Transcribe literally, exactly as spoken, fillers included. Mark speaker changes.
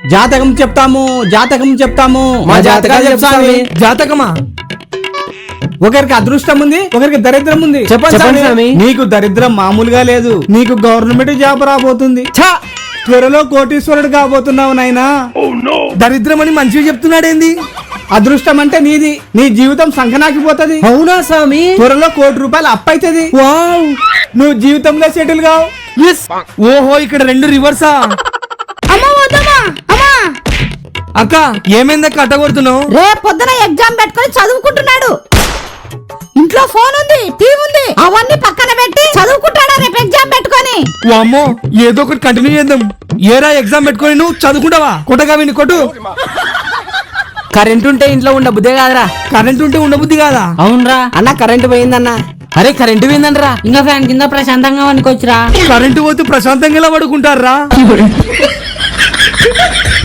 Speaker 1: జాతకం చెప్తాము జాతకం చెప్తాము
Speaker 2: మా జాతకాలు చెప్తాము. జాతకమా?
Speaker 1: ఒకరికి అదృష్టం ఉంది, ఒకరికి దరిద్రం ఉంది.
Speaker 2: చెప్పండి స్వామి.
Speaker 1: నీకు దరిద్రం మామూలుగా లేదు, నీకు గవర్నమెంట్ జాబ్ రాబోతుంది.
Speaker 2: ఛా!
Speaker 1: త్వరలో కోటీశ్వరుడు కాబోతున్నావు నాయనా.
Speaker 2: దరిద్రం అని మంచిగా చెప్తున్నాడేంది?
Speaker 1: అదృష్టం అంటే నీది, నీ జీవితం సంకనాకిపోతది.
Speaker 2: అవునా స్వామి?
Speaker 1: త్వరలో కోటి రూపాయలు అప్పైతది.
Speaker 2: వావ్!
Speaker 1: నువ్వు జీవితంలో సెటిల్ కావు.
Speaker 2: ఎస్. ఓహో, ఇక్కడ రెండు రివర్సా? అక్క ఏమైందక్క అట్ట కొడుతున్నావు?
Speaker 3: రేపు పొద్దున ఎగ్జామ్ పెట్టుకొని చదువుకుంటున్నాడు. ఇంట్లో ఫోన్ ఉంది, టీవీ ఉంది, అవన్నీ పక్కన పెట్టి చదువుకుంటాడా రేపు ఎగ్జామ్ పెట్టుకొని?
Speaker 2: వామ్మో, ఏదో ఒకటి కంటిన్యూ చేద్దాం. ఏరా ఎగ్జామ్ పెట్టుకొని నువ్వు చదువుకుంటావా? కొట్టగా విని కొట్టు.
Speaker 4: కరెంట్ ఉంటే ఇంట్లో ఉండ బుద్ధే కాదురా.
Speaker 2: కరెంట్ ఉంటే ఉండబుద్ధి కాదా?
Speaker 4: అవునరా
Speaker 3: అన్న కరెంట్ పోయిందన్న.
Speaker 4: అరే కరెంట్ పోయిందనరా, ఇంకా ఫ్యాన్ కింద ప్రశాంతంగా వండుకోవచ్చురా.
Speaker 2: కరెంటు పోతే ప్రశాంతంగా ఎలా పడుకుంటారా?